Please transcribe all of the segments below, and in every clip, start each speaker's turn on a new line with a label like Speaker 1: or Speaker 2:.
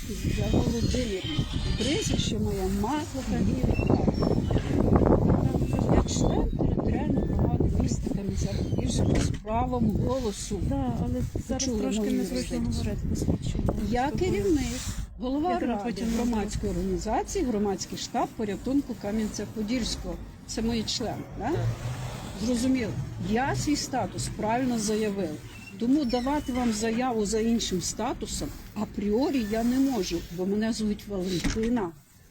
Speaker 1: Я Володимирівна. Прізвище моє Маслова Ірина. Я член територіальної громади міста Кам'янця-Подільського з правом голосу.
Speaker 2: Так, але зараз
Speaker 1: Почули
Speaker 2: трошки
Speaker 1: мою
Speaker 2: незручно
Speaker 1: юрисдикцію.
Speaker 2: говорити посвідчення.
Speaker 1: Я керівник, голова
Speaker 2: Я
Speaker 1: ради
Speaker 2: потім
Speaker 1: громадської організації, громадський штаб порятунку Кам'янця-Подільського. Це мої члени, так? Зрозуміло. Я свій статус правильно заявив. Тому давати вам заяву за іншим статусом апріорі я не можу, бо мене звуть Валентина.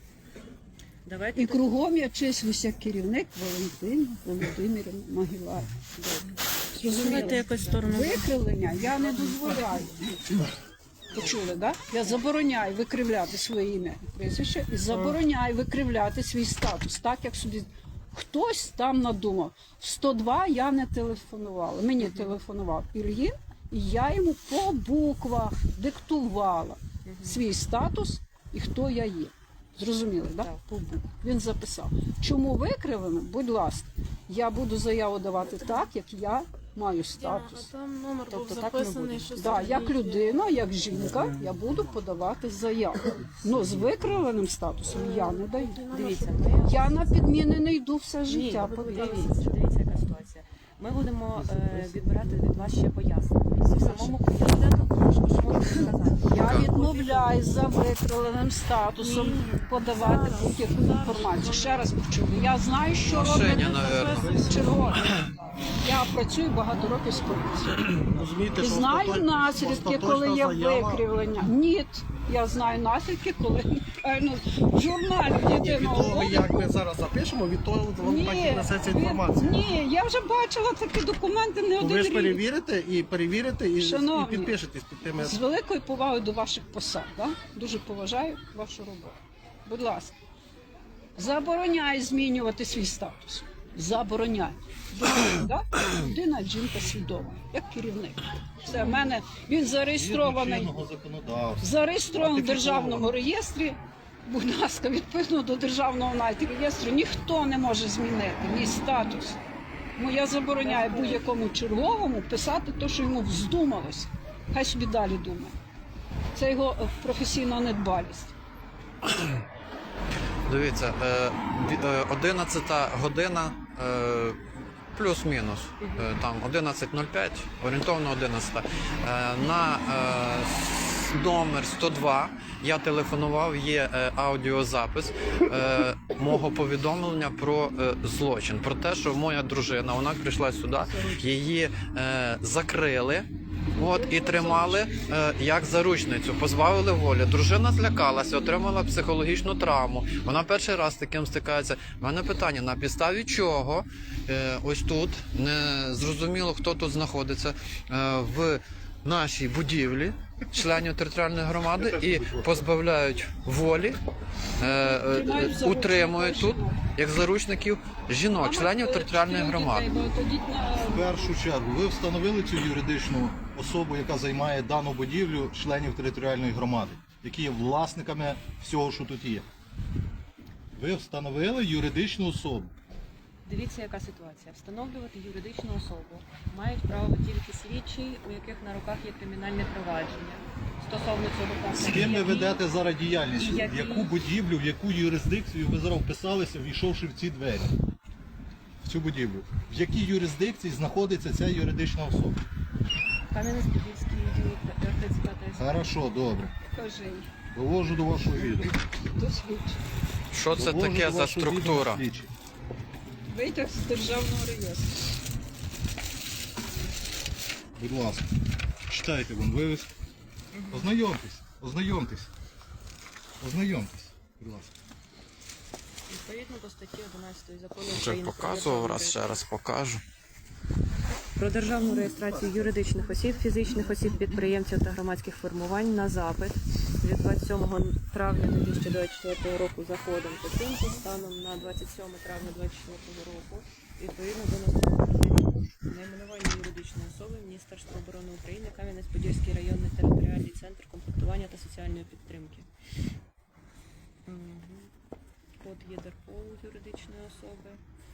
Speaker 1: І кругом я числюся як керівник Валентина Володимирівна Могилаєва.
Speaker 2: Давайте якось в сторону.
Speaker 1: Викривлення я не дозволяю. Почули, так? Я забороняю викривляти своє ім'я і прізвище і забороняю викривляти свій статус, так як собі хтось там надумав. 102 я не телефонувала. Мені телефонував Ільїн, і я йому по буквах диктувала свій статус і хто я є. Зрозуміли, так? По буквах. Він записав. Чому викривлено? Будь ласка, я буду заяву давати так, як я маю статус.
Speaker 2: Там номер був
Speaker 1: Тобто так не
Speaker 2: записаний,
Speaker 1: буде.
Speaker 2: що
Speaker 1: Да, як людина, як жінка, я буду подавати заяву. Ну, з викривленим статусом я не даю.
Speaker 3: Дивіться,
Speaker 1: Я на підміни не йду все життя, повірте.
Speaker 3: дивіться, яка ситуація. Ми будемо відбирати від вас ще пояснення. В самому поясненні, що можете сказати?
Speaker 1: Я відмовляюсь за викривленим статусом подавати будь-яку інформацію. Ще раз почули. Я знаю, що робити чергово. Я працюю багато років з поліцією. І знаю наслідки, коли є викривлення. Ні, я знаю наслідки, коли в журналі єдиного.
Speaker 4: Як ми зараз запишемо, від того вам так і несеться інформація.
Speaker 1: Ні, я вже бачила такі документи не один
Speaker 4: Ви ж
Speaker 1: рік.
Speaker 4: перевірите і
Speaker 1: Шановні,
Speaker 4: підпишетесь під тими.
Speaker 1: З великою повагою до ваших посад. Да? Дуже поважаю вашу роботу. Будь ласка, забороняю змінювати свій статус. Забороняю. Да? Людина, жінка свідома, як керівник. Це в мене, він зареєстрований в державному реєстрі. Будь ласка, відповідно до державного навіть реєстру ніхто не може змінити мій статус. Тому я забороняю будь-якому черговому писати те, що йому вздумалося. Хай собі далі думає. Це його професійна недбалість.
Speaker 5: Дивіться, 11 година, плюс-мінус, там 11.05, орієнтовно 11. На номер 102 я телефонував, є аудіозапис мого повідомлення про злочин. Про те, що моя дружина, вона прийшла сюди, її закрили. І тримали як заручницю, позбавили волі. Дружина злякалася, отримала психологічну травму. Вона перший раз з таким стикається. У мене питання, на підставі чого ось тут, не зрозуміло, хто тут знаходиться, в нашій будівлі, членів територіальної громади, і позбавляють волі, утримують тут, як заручників, жінок, членів територіальної громади.
Speaker 6: В першу чергу, ви встановили цю юридичну особу, яка займає дану будівлю, членів територіальної громади, які є власниками всього, що тут є. Ви встановили юридичну особу.
Speaker 3: Дивіться, яка ситуація. Встановлювати юридичну особу мають право тільки слідчі, у яких на руках є кримінальне провадження. Стосовно цього факту.
Speaker 6: З ким ви ведете зараз діяльність? В яку будівлю, в яку юрисдикцію ви зараз вписалися, війшовши в ці двері? В цю будівлю. В якій юрисдикції знаходиться ця юридична особа?
Speaker 3: Кам'янець-Подільський відділ РТЦК та СП.
Speaker 6: Хорошо, добре.
Speaker 1: Кажи,
Speaker 6: Довожу до вашого відома.
Speaker 1: досвідчи.
Speaker 5: Що це таке за структура?
Speaker 1: Витяг з державного реєстру.
Speaker 6: Будь ласка, читайте вон вивіз. Ознайомтесь, ознайомтесь. Ознайомтесь, будь ласка.
Speaker 3: Відповідно до статті 11 закону
Speaker 5: Вже
Speaker 3: України про
Speaker 5: показував,
Speaker 3: державну
Speaker 5: раз ще раз покажу.
Speaker 3: про державну реєстрацію юридичних осіб, фізичних осіб, підприємців та громадських формувань на запит від 27 травня 2024 року за ходом оцінки станом на 27 травня 2024 року відповідно до наступного найменування юридичної особи Міністерства оборони України, Кам'янець-Подільський районний територіальний центр комплектування та соціальної підтримки. Код ЄДРПОУ юридичної особи.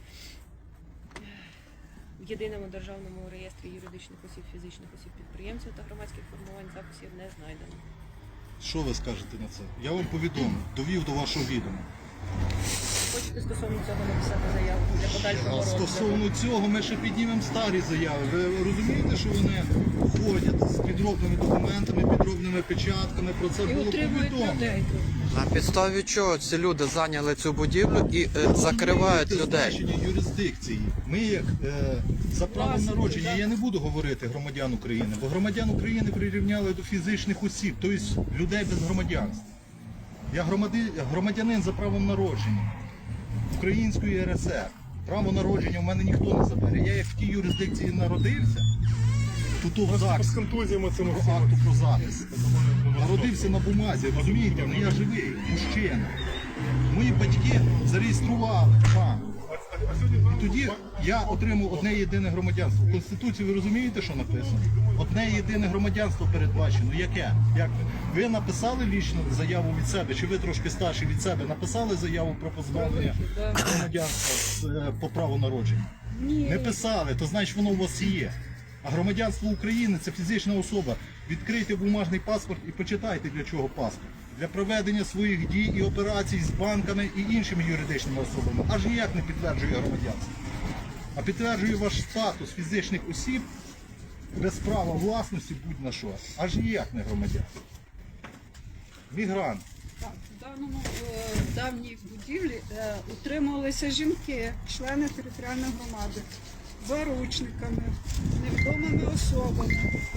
Speaker 3: В єдиному державному реєстрі юридичних осіб, фізичних осіб, підприємців та громадських формувань записів не знайдено.
Speaker 6: Що ви скажете на це? Я вам повідомив, довів до вашого відома.
Speaker 2: Хочете стосовно цього написати заяву для подальшого
Speaker 6: А
Speaker 2: розгляду?
Speaker 6: стосовно цього ми ще піднімемо старі заяви. Ви розумієте, що вони ходять з підробними документами, підробними печатками, про це
Speaker 1: І
Speaker 6: було
Speaker 1: утримують
Speaker 6: повідомлено.
Speaker 1: людей.
Speaker 5: На підставі чого ці люди зайняли цю будівлю і закривають
Speaker 6: Розумієте
Speaker 5: людей?
Speaker 6: значення юрисдикції. Ми як за правом
Speaker 1: Власники,
Speaker 6: народження,
Speaker 1: так.
Speaker 6: я не буду говорити громадян України, бо громадян України прирівняли до фізичних осіб, тобто людей без громадянства. Я громадянин за правом народження Української РСР. Право народження в мене ніхто не забере. Я як в тій юрисдикції народився, тут в ЗАГС,
Speaker 4: З контузіями цими
Speaker 6: по акту про запис. Народився на бумазі, розумієте, але я живий, мужчина. Мої батьки зареєстрували там. І тоді я отримав одне єдине громадянство. В Конституції ви розумієте, що написано? Одне єдине громадянство передбачено. Яке? Як ви написали лічно заяву від себе, чи ви трошки старші від себе написали заяву про позбавлення громадянства по праву народження? Не писали, то значить воно у вас є. А громадянство України це фізична особа. Відкрийте бумажний паспорт і почитайте, для чого паспорт. Для проведення своїх дій і операцій з банками і іншими юридичними особами. Аж ніяк не підтверджує громадянство. А підтверджує ваш статус фізичних осіб без права власності будь-на що. Аж ніяк не громадянство. Мігрант.
Speaker 1: Так, в даному давній будівлі утримувалися жінки, члени територіальної громади, заручниками, невідомими особами,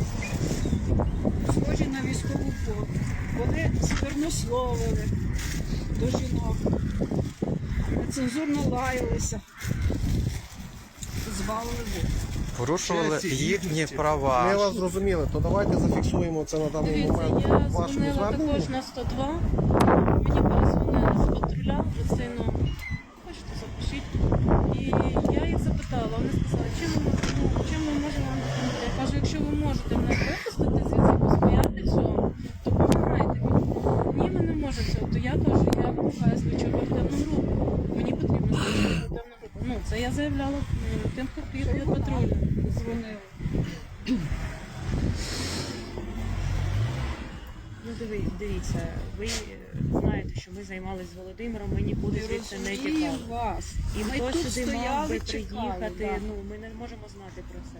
Speaker 1: схожі на військову форму. Вони сквернословили до жінок, нецензурно лаялися, збавили воду.
Speaker 5: Порушували
Speaker 6: Честі,
Speaker 5: їхні
Speaker 6: гідності.
Speaker 4: Ми
Speaker 5: права.
Speaker 4: вас зрозуміли, то давайте зафіксуємо це на даний
Speaker 2: Дивіться,
Speaker 4: момент
Speaker 2: я
Speaker 4: в вашому
Speaker 2: дзвонила
Speaker 4: зверненні.
Speaker 2: також на 102, мені перезвонили з патруля, Люцину, хочете запишіть. І я їх запитала, вони сказали, чим ми можемо вам допомогти. Я кажу, якщо ви можете мене випустити звідси посприяти цьому, то допомагайте мені. Ні, ми не можемо цього. То я кажу, я вимагаю слідчу оперативну групу. Мені потрібна слідча оперативна група. Ну, це я заявляла тим, хто під патрулем.
Speaker 1: Дзвонили.
Speaker 3: Ну, дивіться, ви знаєте, що ми займалися з Володимиром, ми нікуди
Speaker 1: Не
Speaker 3: звідси не
Speaker 1: розумію
Speaker 3: тікали.
Speaker 1: вас.
Speaker 3: І
Speaker 1: Ми
Speaker 3: хто
Speaker 1: тут
Speaker 3: сюди мав би
Speaker 1: стояли, чекали.
Speaker 3: приїхати,
Speaker 1: да.
Speaker 3: ну ми не можемо знати про це.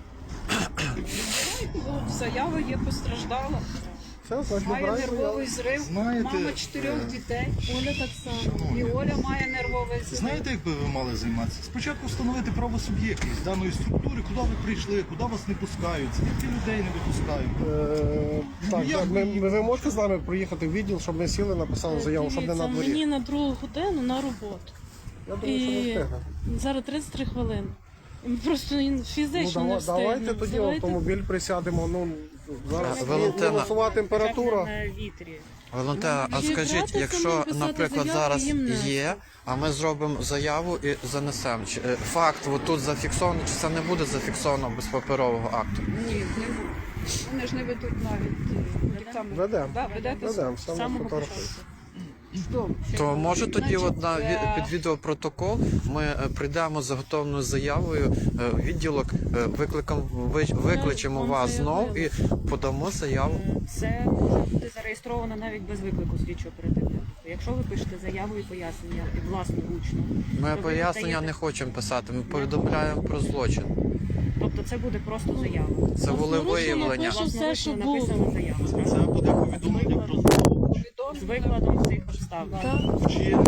Speaker 1: От заява є постраждала,
Speaker 4: Все, значить,
Speaker 1: має
Speaker 4: вибираємо
Speaker 1: нервовий зрив,
Speaker 6: Знаєте,
Speaker 1: мама 4 дітей,
Speaker 2: Оля так само.
Speaker 1: і Оля має нервовий зрив.
Speaker 6: Знаєте, як би ви мали займатися? Спочатку встановити правосуб'єктність даної структури, куди ви прийшли, куди вас не пускають, скільки людей не випускають.
Speaker 4: Так,
Speaker 6: я
Speaker 4: так,
Speaker 6: б-
Speaker 4: ви можете з нами приїхати в відділ, щоб ми сіли, написали заяву, щоб не
Speaker 2: Дивіться,
Speaker 4: на дворі?
Speaker 2: мені на 2 годину на роботу.
Speaker 4: Я думаю, що не
Speaker 2: І
Speaker 4: встигне.
Speaker 2: зараз 33 хвилини. Просто фізично
Speaker 4: Ну,
Speaker 2: не встигну.
Speaker 4: давайте тоді в автомобіль присядемо. Ну, зараз
Speaker 5: Валентина.
Speaker 4: мінусова температура.
Speaker 3: На вітрі.
Speaker 5: Валентина, а
Speaker 2: Чи
Speaker 5: скажіть,
Speaker 2: гратися
Speaker 5: якщо,
Speaker 2: нам писати
Speaker 5: наприклад,
Speaker 2: заяву,
Speaker 5: зараз
Speaker 2: їм не
Speaker 5: є, а ми зробимо заяву і занесемо. Факт тут зафіксовано, чи це не буде зафіксовано без паперового акту?
Speaker 1: Ні, не буде. Вони ж не ведуть навіть камери.
Speaker 4: Ведемо.
Speaker 1: Да, ведете
Speaker 4: Ведемо,
Speaker 3: З
Speaker 4: саме
Speaker 3: самого
Speaker 4: фотографуємо.
Speaker 3: початку.
Speaker 1: Добре.
Speaker 5: То може тоді
Speaker 1: Значить,
Speaker 5: от під відеопротокол ми прийдемо з заготовленою заявою в відділок, викличемо
Speaker 2: вам
Speaker 5: вас знов і
Speaker 2: заявили.
Speaker 5: подамо заяву.
Speaker 3: Це може бути зареєстровано навіть без виклику слідчого оперативної групи. Якщо ви пишете заяву і пояснення і власноручно,
Speaker 5: Ми
Speaker 3: то ви
Speaker 5: пояснення
Speaker 3: надаєте-
Speaker 5: не хочемо писати, ми повідомляємо про злочин.
Speaker 3: Тобто це буде просто заява.
Speaker 5: Це волевиявлення.
Speaker 2: Власне, все, що
Speaker 3: Власноручно написана
Speaker 2: було.
Speaker 3: заява.
Speaker 6: Це буде повідомлення про злочин.
Speaker 3: З викладом цих обставин.
Speaker 2: Так.
Speaker 6: Вчинений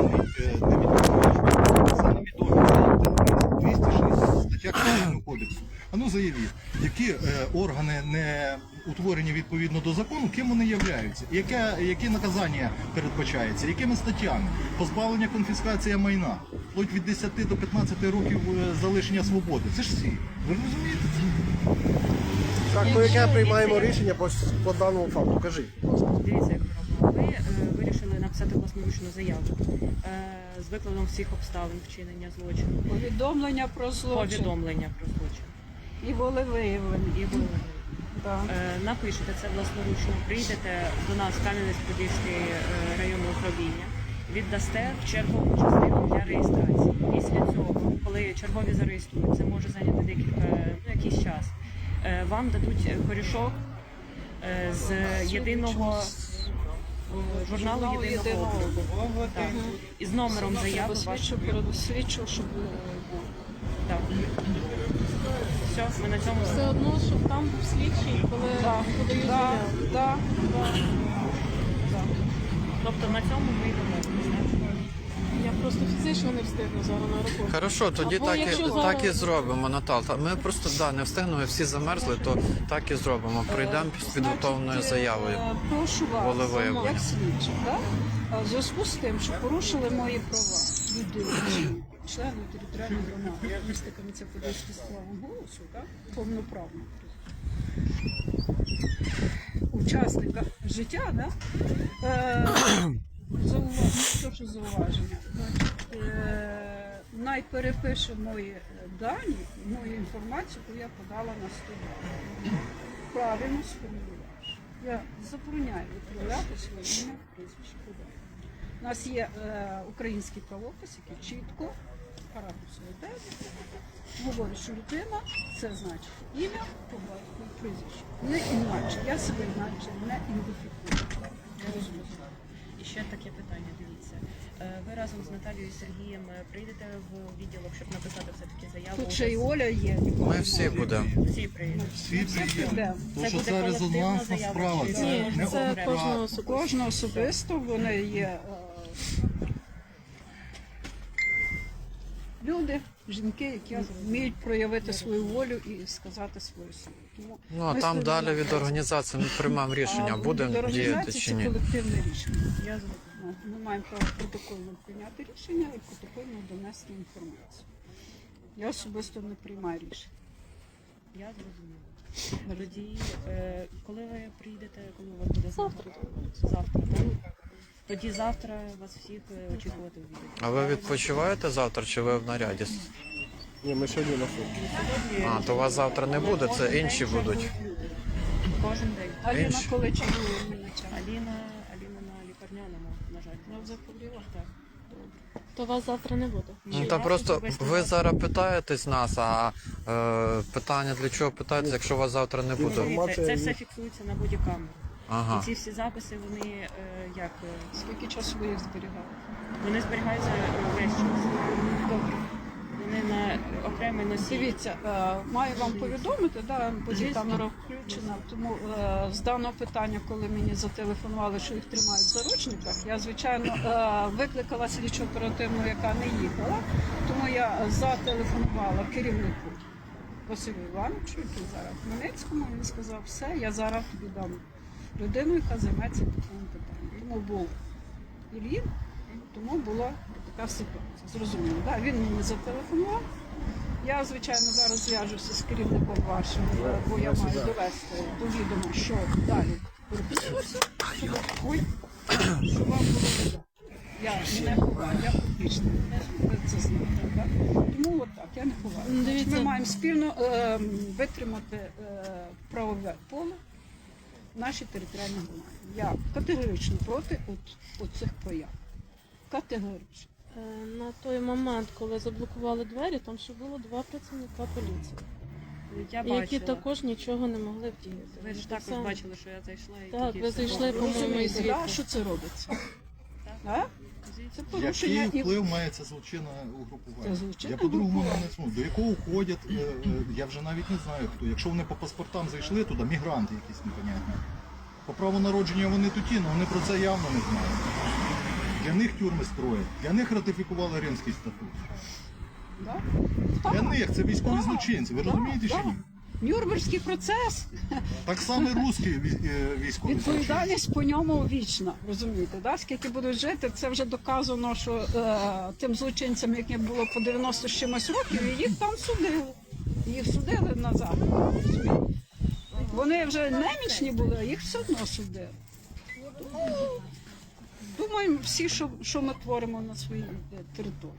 Speaker 6: це невідомі. 260 стаття Кримінального кодексу. А ну заявіть, які органи не утворені відповідно до закону, ким вони являються? Яке наказання передбачається? Якими статтями? Позбавлення, конфіскація майна. Вплоть від 10 до 15 років залишення свободи. Це ж всі. Ви розумієте це?
Speaker 4: Так, то яке приймаємо рішення по даному факту? Кажіть.
Speaker 3: Дивіться, як ми робимо. Ви вирішили написати власноручну заяву з викладом всіх обставин вчинення злочину,
Speaker 1: Повідомлення про злочин
Speaker 3: повідомлення про злочин
Speaker 1: і волевиявлення.
Speaker 3: і головне.
Speaker 1: Да.
Speaker 3: Напишете це власноручно, прийдете до нас в Кам'янець-Подільське районне управління, віддасте в чергову частину для реєстрації. Після цього, коли чергові зареєструють, це може зайняти якийсь час, вам дадуть корішок з єдиного
Speaker 2: журналу єдиного обліку. Так. І з номером заяви вашої.
Speaker 1: Свідчу, щоб
Speaker 2: Так. Все, ми на цьому
Speaker 7: Все одно, щоб там був слідчий, коли подають заяву.
Speaker 1: да.
Speaker 2: Тобто на цьому ми йдемо.
Speaker 7: Я просто фізично не встигну зараз на роботу.
Speaker 5: Хорошо, тоді
Speaker 7: Або
Speaker 5: так
Speaker 7: якщо
Speaker 5: і,
Speaker 7: зараз-
Speaker 5: так і зробимо, Наталка. Ми просто не встигнемо, всі замерзли, то так і зробимо. Прийдемо з підготовленою заявою.
Speaker 1: Прошу вас,
Speaker 5: Волевиявлення.
Speaker 1: як слідчі, да? В зв'язку з тим, що порушили мої права людини, члени територіальної громади, міста Кам'янця-Подільський з правом голосу, так? Повноправно. Учасника життя, да? Зауваження. Найперепише мої дані, мою інформацію, яку я подала на 102. Правильно сформулював. Я забороняю відправляти своє ім'я, прізвище куди. У нас є український правопис, який чітко, параграф 49, говорить, що людина це значить ім'я, по батькові, прізвище. Не інакше. Я себе інакше не ідентифікую. Я розумію.
Speaker 3: І ще таке питання, дивіться. Ви разом з Наталією і Сергієм прийдете в відділок, щоб написати все-таки заяву?
Speaker 1: Тут ще й Оля є. нікого
Speaker 5: Ми всі
Speaker 1: немає.
Speaker 5: будемо.
Speaker 3: Всі прийдуть.
Speaker 6: Всі
Speaker 1: Всі
Speaker 6: приїдемо.
Speaker 1: підемо.
Speaker 6: Тому що
Speaker 3: буде
Speaker 6: це
Speaker 3: колективна
Speaker 6: резонансна
Speaker 3: заява
Speaker 6: справа.
Speaker 3: чи
Speaker 6: Це
Speaker 7: Ні,
Speaker 6: не
Speaker 7: це
Speaker 6: одна.
Speaker 7: кожного
Speaker 1: У
Speaker 7: особисто.
Speaker 1: кожного особисто вони є люди, жінки, які вміють проявити свою волю і сказати свою силу. Тому
Speaker 5: Ну, а
Speaker 1: ми
Speaker 5: там
Speaker 1: стоїмо
Speaker 5: далі
Speaker 1: на
Speaker 5: від
Speaker 1: хресті.
Speaker 5: організації ми приймемо рішення,
Speaker 1: А
Speaker 5: будемо
Speaker 1: від організації
Speaker 5: діяти чи
Speaker 1: це
Speaker 5: ні.
Speaker 1: колективне рішення. Ми маємо право протокольно прийняти рішення і протокольно донести інформацію. Я особисто не приймаю рішення.
Speaker 3: Я зрозуміла. Тоді, коли ви приїдете, коли у вас буде
Speaker 7: Завтра.
Speaker 3: Завтра, так? Тоді завтра вас всіх очікувати у відео.
Speaker 5: А ви відпочиваєте завтра чи ви в наряді?
Speaker 4: Ні, ми сьогодні на суд.
Speaker 5: А, то вас завтра не буде, це інші будуть.
Speaker 3: Кожен день.
Speaker 1: Аліна,
Speaker 5: Інші.
Speaker 1: коли чергує мені час?
Speaker 3: Аліна на лікарняному, на жаль.
Speaker 1: Ну, захворіла?
Speaker 3: Так.
Speaker 7: То вас завтра не буде.
Speaker 5: Ну та просто ви зараз питаєтесь нас, а питання для чого питаєтесь, якщо вас завтра не буде?
Speaker 3: Дивіться, це все фіксується на бодікамеру.
Speaker 5: Ага.
Speaker 3: І ці всі записи, вони як
Speaker 1: Скільки часу ви їх зберігали?
Speaker 3: вони зберігаються весь час.
Speaker 1: Добре.
Speaker 3: Вони на окремий носій.
Speaker 1: Дивіться, маю вам повідомити, да, бодікамера включена, тому з даного питання, коли мені зателефонували, що їх тримають в заручниках, я, звичайно, викликала слідчу оперативну, яка не їхала, тому я зателефонувала керівнику Василю Івановичу, який зараз в Хмельницькому, він сказав, все, я зараз тобі дам людину, яка займеться таким питанням. Тому був Ільїн, тому була така ситуація. Зрозуміло, да? Він мені зателефонував. Я, звичайно, зараз зв'яжуся з керівником вашим, бо я маю довести до відома, що далі переписуюся, щоб вам було відомо. Я не ховаю, я публічна. Ви це знаєте, так? Тому от так, я не ховаю.
Speaker 7: Дивіться.
Speaker 1: Ми маємо спільно витримати правове поле в нашій територіальній громаді. Я категорично проти оцих прояв. Категорично.
Speaker 7: На той момент, коли заблокували двері, там ще було 2 працівника поліції,
Speaker 3: Я
Speaker 7: які
Speaker 3: бачила.
Speaker 7: також нічого не могли вдіяти.
Speaker 3: Ви ж також бачили, що я зайшла і
Speaker 7: Так,
Speaker 3: тоді
Speaker 7: ви
Speaker 3: все
Speaker 7: зайшли,
Speaker 3: було.
Speaker 7: по-моєму, і
Speaker 1: Розумієте, да,
Speaker 7: звідти.
Speaker 1: що це робиться? А? Це порушення
Speaker 6: Який
Speaker 1: і
Speaker 6: вплив має це злочинне угрупування?
Speaker 1: Це злочинне
Speaker 6: Я по-другому
Speaker 1: угрупування.
Speaker 6: не знаю. До якого входять, я вже навіть не знаю хто. Якщо вони по паспортам зайшли туди, мігранти якісь непонятні. По праву народження вони туті, але вони про це явно не знають. Для них тюрми строять, для них ратифікували Римський статут.
Speaker 1: Да?
Speaker 6: Для них це військові
Speaker 1: Так,
Speaker 6: злочинці, ви
Speaker 1: так,
Speaker 6: розумієте чи
Speaker 1: так.
Speaker 6: ні?
Speaker 1: Нюрнберзький процес,
Speaker 6: Так само і русські військові злочинці.
Speaker 1: відповідальність по ньому вічна, розумієте, да? Скільки будуть жити, це вже доказано, що тим злочинцям, яким було по 90 з чимось років, і їх там судили. Їх судили назад. розумієте? Вони вже немічні були, а їх все одно судили. Тому думаємо всі, що ми творимо на своїй території.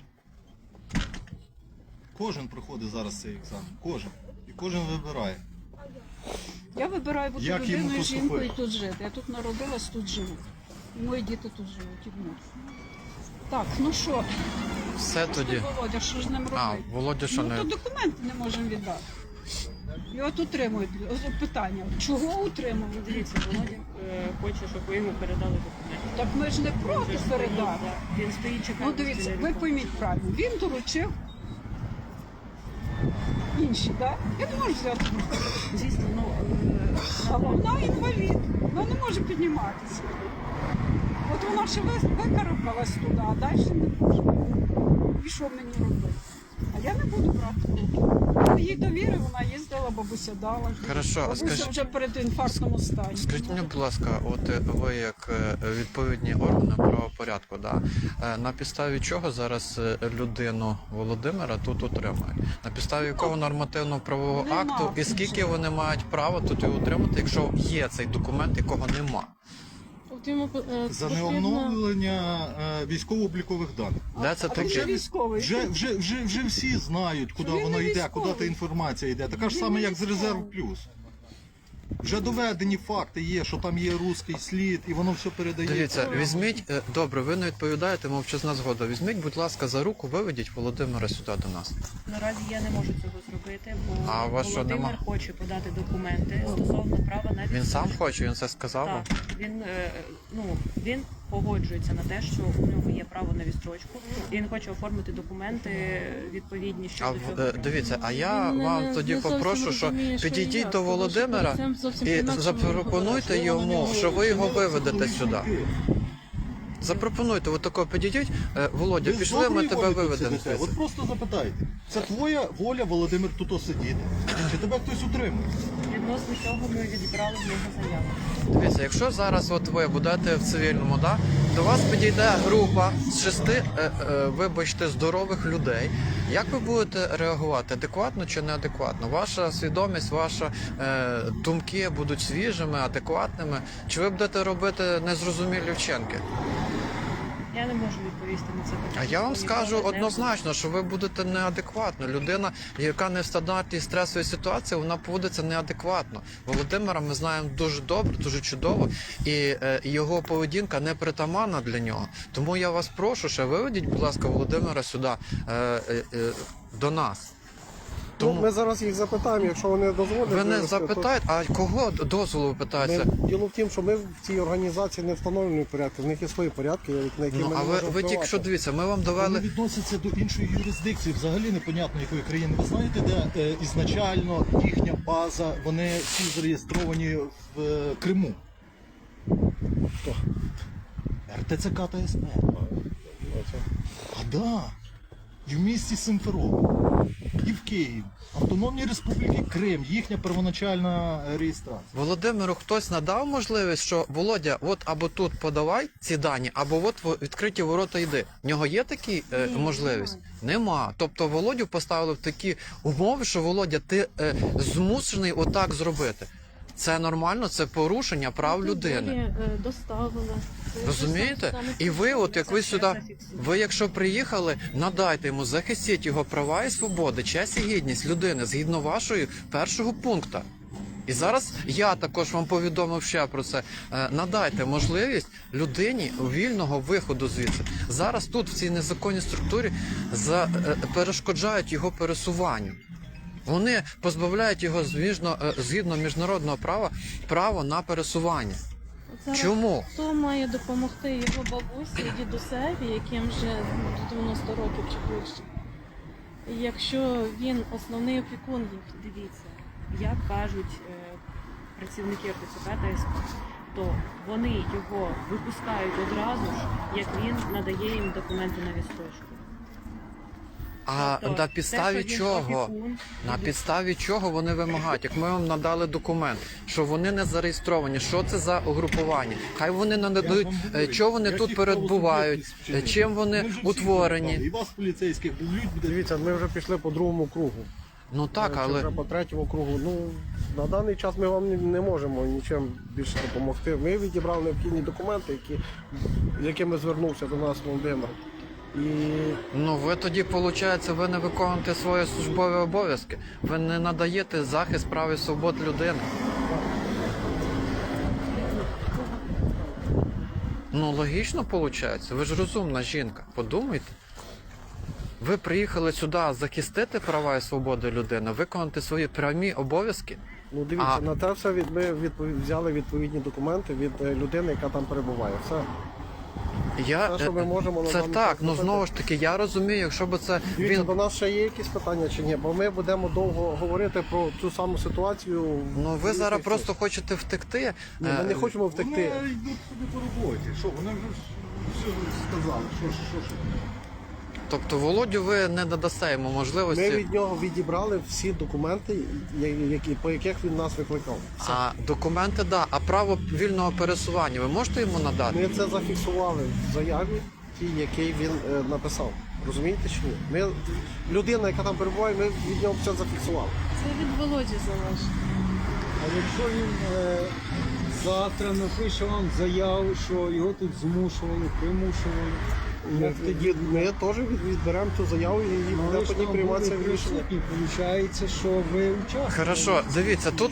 Speaker 6: Кожен проходить зараз цей екзамен. Кожен. І кожен вибирає.
Speaker 1: Я вибираю бути
Speaker 6: Як йому
Speaker 1: людиною, жінкою і
Speaker 6: поступити?
Speaker 1: тут жити. Я тут народилась, тут живу. І мої діти тут живуть і внуки. Так, ну що,
Speaker 5: Все тоді.
Speaker 1: Володя, що ж з ним робити?
Speaker 5: А, Володя, що
Speaker 1: Ну то
Speaker 5: не.
Speaker 1: документи не можемо віддати. І от утримують. От питання, чого утримують?
Speaker 3: Дивіться, Володя хоче, щоб ви йому передали документи.
Speaker 1: Так ми ж не проти передати.
Speaker 3: Він стоїть, чекає.
Speaker 1: Ну дивіться, ви пойміть правильно, він доручив інші, так? Я не можу взяти.
Speaker 3: Звісно,
Speaker 1: А вона інвалід, вона не може підніматися. От вона ще викарабкалась туди, а далі не може. І що мені робити? А я не буду брати в руки. Я їй довірив, вона їздила, бабуся дала.
Speaker 5: Хорошо, а
Speaker 1: Бабуся
Speaker 5: скажіть-
Speaker 1: вже перед інфарктному стані.
Speaker 5: Скажіть мені, будь ласка, от ви як відповідні органи правопорядку, да, на підставі чого зараз людину Володимира тут утримують? На підставі якого нормативно-правового
Speaker 1: Нема
Speaker 5: акту і скільки вони мають права тут його утримати, якщо є цей документ, якого нема?
Speaker 7: От йому
Speaker 6: За
Speaker 7: потрібно-
Speaker 6: неоновлення військово-облікових даних.
Speaker 5: Де це
Speaker 1: А він же
Speaker 5: таке?
Speaker 1: військовий.
Speaker 6: Вже всі знають, куди
Speaker 1: Він не
Speaker 6: воно йде,
Speaker 1: військовий.
Speaker 6: куди та інформація йде. Така ж
Speaker 1: Він
Speaker 6: саме,
Speaker 1: не
Speaker 6: як з
Speaker 1: військовий.
Speaker 6: Резерв Плюс. Вже доведені факти є, що там є руський слід, і воно все передає.
Speaker 5: Дивіться, візьміть, добре, ви не відповідаєте, мовчазна згода. Візьміть, будь ласка, за руку, виведіть Володимира сюди до нас.
Speaker 3: Наразі я не можу цього зробити, бо
Speaker 5: А у вас що,
Speaker 3: Володимир
Speaker 5: нема?
Speaker 3: хоче подати документи стосовно права на
Speaker 5: Він
Speaker 3: відстрочку.
Speaker 5: сам хоче, він це сказав вам?
Speaker 3: Так, він погоджується на те, що у нього є право на відстрочку, і він хоче оформити документи відповідні
Speaker 5: А
Speaker 3: щодо цього.
Speaker 5: дивіться, а я
Speaker 7: Він
Speaker 5: вам
Speaker 7: не
Speaker 5: тоді
Speaker 7: зовсім
Speaker 5: попрошу, що
Speaker 7: розуміє, що і
Speaker 5: підійдіть
Speaker 7: як,
Speaker 5: до
Speaker 7: тому що
Speaker 5: Володимира
Speaker 7: це зовсім
Speaker 5: і
Speaker 7: по-інакшому
Speaker 5: запропонуйте
Speaker 7: говорить.
Speaker 5: йому, що ви його виведете сюди. Запропонуйте, от тако підійдіть. Володя,
Speaker 6: Ви з
Speaker 5: пішли, ми
Speaker 6: доброї
Speaker 5: тебе
Speaker 6: волі тут
Speaker 5: виведемо
Speaker 6: сидите?
Speaker 5: звідси.
Speaker 6: От просто запитайте. Це твоя воля, Володимир, тут сидіти? Чи тебе хтось утримує?
Speaker 3: Відносно цього ми відібрали в нього заяву.
Speaker 5: Дивіться, якщо зараз от ви будете в цивільному, да, до вас підійде група з 6, вибачте, здорових людей. Як ви будете реагувати? Адекватно чи неадекватно? Ваша свідомість, ваші думки будуть свіжими, адекватними? Чи ви будете робити незрозумілі вчинки?
Speaker 3: Я не можу відповісти на це питання.
Speaker 5: А я вам
Speaker 3: бо
Speaker 5: скажу
Speaker 3: ніколи не
Speaker 5: однозначно, що ви будете неадекватно. Людина, яка не в стандартній стресовій ситуації, вона поводиться неадекватно. Володимира ми знаємо дуже добре, дуже чудово, і його поведінка не притаманна для нього. Тому я вас прошу, ще виведіть, будь ласка, Володимира сюди до нас.
Speaker 4: Ну,
Speaker 5: Тому
Speaker 4: ми зараз їх запитаємо, якщо вони дозволять.
Speaker 5: ви не
Speaker 4: вивезти,
Speaker 5: запитаєте, а кого дозволу ви
Speaker 4: то
Speaker 5: питаєте?
Speaker 4: Діло в тім, що ми в цій організації не встановлені порядки, в них є свої порядки, на які
Speaker 5: Ну,
Speaker 4: ми
Speaker 5: а
Speaker 4: не можемо
Speaker 5: ви тільки що
Speaker 4: впливати.
Speaker 5: дивіться, ми вам
Speaker 6: Вони
Speaker 5: довели.
Speaker 6: відносяться до іншої юрисдикції, взагалі непонятно якої країни. Ви знаєте, де ізначально їхня база, вони всі зареєстровані в Криму?
Speaker 4: Хто?
Speaker 6: РТЦК та СП. А да. І в місті Симферополь, і в Києві. Автономній Республіки Крим, їхня первоначальна реєстрація.
Speaker 5: Володимиру хтось надав можливість, що Володя, от або тут подавай ці дані, або от відкриті ворота йди. В нього є такі можливість? Нема. Тобто Володю поставили в такі умови, що Володя, ти змушений отак зробити. Це нормально, це порушення прав людини.
Speaker 7: Доставили. Це
Speaker 5: Розумієте?
Speaker 7: саме
Speaker 5: І ви, от як ви
Speaker 3: Це
Speaker 5: сюди,
Speaker 3: зафіксовано.
Speaker 5: ви якщо приїхали, надайте йому, захистіть його права і свободи, честь і гідність людини згідно вашої першого пункту. І зараз я також вам повідомив ще про це. Надайте можливість людині вільного виходу звідси. Зараз тут, в цій незаконній структурі, перешкоджають його пересуванню. Вони позбавляють його згідно міжнародного права право на пересування.
Speaker 7: Зараз
Speaker 5: Чому?
Speaker 7: Хто має допомогти його бабусі і дідусеві, яким вже 90 років чи більше? Якщо він основний опікун їх.
Speaker 3: Дивіться, як кажуть працівники РТЦК та СП, то вони його випускають одразу ж, як він надає їм документи на відстрочку.
Speaker 5: А
Speaker 3: Тобто,
Speaker 5: на підставі
Speaker 3: те, що він
Speaker 5: чого?
Speaker 3: опікун,
Speaker 5: На підставі чого вони вимагають? Як ми вам надали документ, що вони не зареєстровані, що це за угрупування? Хай вони нададуть, що вони тут перебувають, чим вони утворені.
Speaker 6: І вас, поліцейських, будуть
Speaker 4: Дивіться, ми вже пішли по другому кругу.
Speaker 5: Ну так,
Speaker 4: Чи
Speaker 5: але
Speaker 4: вже по третьому кругу. Ну, на даний час ми вам не можемо нічим більше допомогти. Ми відібрали необхідні документи, з якими звернувся до нас Володимир. І
Speaker 5: ну ви тоді, виходить, ви не виконуєте свої службові обов'язки. Ви не надаєте захист прав і свобод людини. Ну логічно виходить. Ви ж розумна жінка. Подумайте. Ви приїхали сюди захистити права і свободи людини, виконати свої прямі обов'язки.
Speaker 4: Ну дивіться,
Speaker 5: А-
Speaker 4: на те все ми взяли відповідні документи від людини, яка там перебуває. Все. Те, що ми можемо на
Speaker 5: Це
Speaker 4: даний
Speaker 5: так,
Speaker 4: час
Speaker 5: ну
Speaker 4: зробити.
Speaker 5: знову ж таки, я розумію, якщо б це
Speaker 4: Дивіться,
Speaker 5: він.
Speaker 4: до нас ще є якісь питання чи ні? Бо ми будемо довго говорити про цю саму ситуацію.
Speaker 5: Ну ви зараз просто хочете втекти.
Speaker 4: Ні, ми не хочемо втекти.
Speaker 6: Вони йдуть собі по роботі. Що, вони вже все сказали. Що?
Speaker 5: Тобто Володю ви не надасте йому
Speaker 4: Ми
Speaker 5: можливості.
Speaker 4: від нього відібрали всі документи, по яких він нас викликав. Все.
Speaker 5: А документи, да. А право вільного пересування ви можете йому надати?
Speaker 4: Ми це зафіксували в заяві, тій, який він написав. Розумієте чи ні? Ми, людина, яка там перебуває, ми від нього все зафіксували.
Speaker 7: Це від Володі залежить.
Speaker 8: А якщо він завтра напише вам заяву, що його тут змушували, примушували, як тоді
Speaker 4: Ми теж відберемо цю заяву і буде
Speaker 8: ви ж
Speaker 4: тоді
Speaker 8: там
Speaker 4: прийматися
Speaker 8: були
Speaker 4: рішення.
Speaker 8: присутні, виходить, що ви участвували.
Speaker 5: Хорошо, дивіться, тут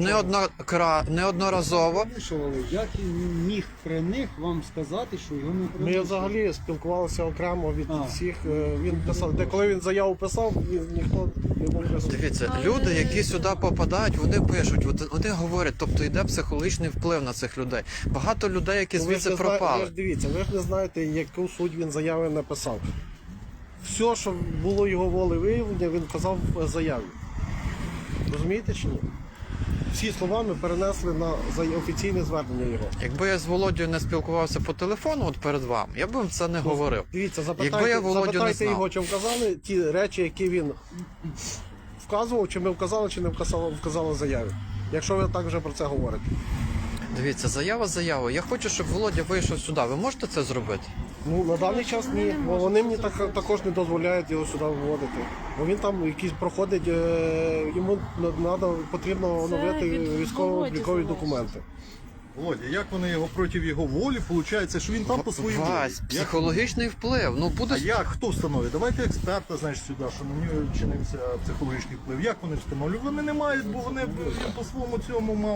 Speaker 5: неодноразово.
Speaker 8: Примушували. Як він міг при них вам сказати, що його не
Speaker 4: Ми
Speaker 8: примушували?
Speaker 4: взагалі спілкувалися окремо від
Speaker 8: А.
Speaker 4: всіх. Він писав, де коли він заяву писав, ніхто не був присутній.
Speaker 5: Дивіться, люди, які сюди попадають, вони пишуть, вони говорять, тобто йде психологічний вплив на цих людей. Багато людей, які
Speaker 4: Ну, ви ж
Speaker 5: звідси
Speaker 4: не зна- Ви
Speaker 5: пропали.
Speaker 4: ж дивіться, ви ж не знаєте, яку суть він заяви написав. Все, що було його волевиявлення, він казав в заяві. Розумієте чи ні? Всі слова ми перенесли на офіційне звернення його.
Speaker 5: Якби я з Володією не спілкувався по телефону от перед вами, я б вам це не говорив.
Speaker 4: Дивіться,
Speaker 5: Якби я
Speaker 4: запитайте,
Speaker 5: Володю не
Speaker 4: запитайте
Speaker 5: знав.
Speaker 4: його, чи вказали ті речі, які він вказував, чи ми вказали, чи не вказали в заяві. Якщо ви так вже про це говорите.
Speaker 5: Дивіться, заява заявою. Я хочу, щоб Володя вийшов сюди. Ви можете це зробити?
Speaker 4: Ну, на даний час
Speaker 7: Вони
Speaker 4: ні,
Speaker 7: не
Speaker 4: бо
Speaker 7: можуть
Speaker 4: вони
Speaker 7: це
Speaker 4: мені
Speaker 7: зробити.
Speaker 4: також не дозволяють його сюди виводити. Бо він там якийсь проходить, йому потрібно
Speaker 7: Це
Speaker 4: оновити
Speaker 7: від
Speaker 4: військово-облікові
Speaker 7: Володі
Speaker 4: документи.
Speaker 6: Володя, як вони його проти його волі, виходить, що він там по своїй волі.
Speaker 5: Вась,
Speaker 6: Як-
Speaker 5: психологічний вплив. Ну буде
Speaker 6: А як? Хто встановить? Давайте експерта, значить, сюди, що на нього чинився психологічний вплив. Як вони встановлюють? Вони не мають, бо вони він по своєму цьому мав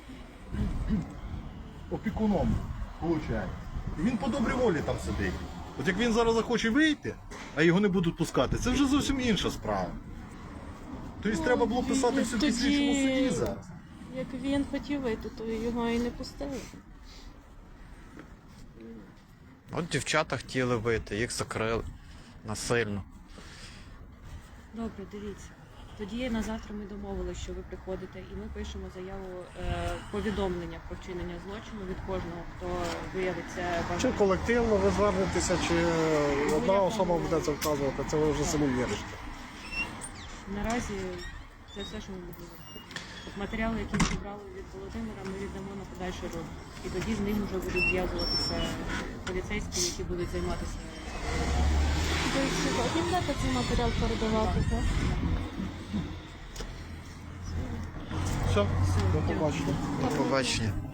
Speaker 6: опікуном, виходить. І він по добрій волі там сидить. От як він зараз захоче вийти, а його не будуть пускати, це вже зовсім інша справа. Тобто треба було писати все в
Speaker 7: тоді-
Speaker 6: слідчому суді зараз.
Speaker 7: Як він хотів вийти, то його і не пустили.
Speaker 5: От дівчата хотіли вийти, їх закрили насильно.
Speaker 3: Добре, дивіться. Тоді на завтра ми домовилися, що ви приходите, і ми пишемо заяву повідомлення про вчинення злочину від кожного, хто виявиться
Speaker 4: Чи
Speaker 3: бажаним.
Speaker 4: колективно ви звернетеся, чи одна особа буде це вказувати, це ви вже самі вирішите.
Speaker 3: Наразі це все, що ми можемо зробити. От матеріали, які ми зібрали від Володимира, ми віддамо на подальший розвиток. І тоді з ним вже будуть зв'язуватися поліцейські, які будуть займатися.
Speaker 7: Ви сьогодні будете цей матеріал передавати, так?
Speaker 4: Все, до побачення.
Speaker 5: До побачення.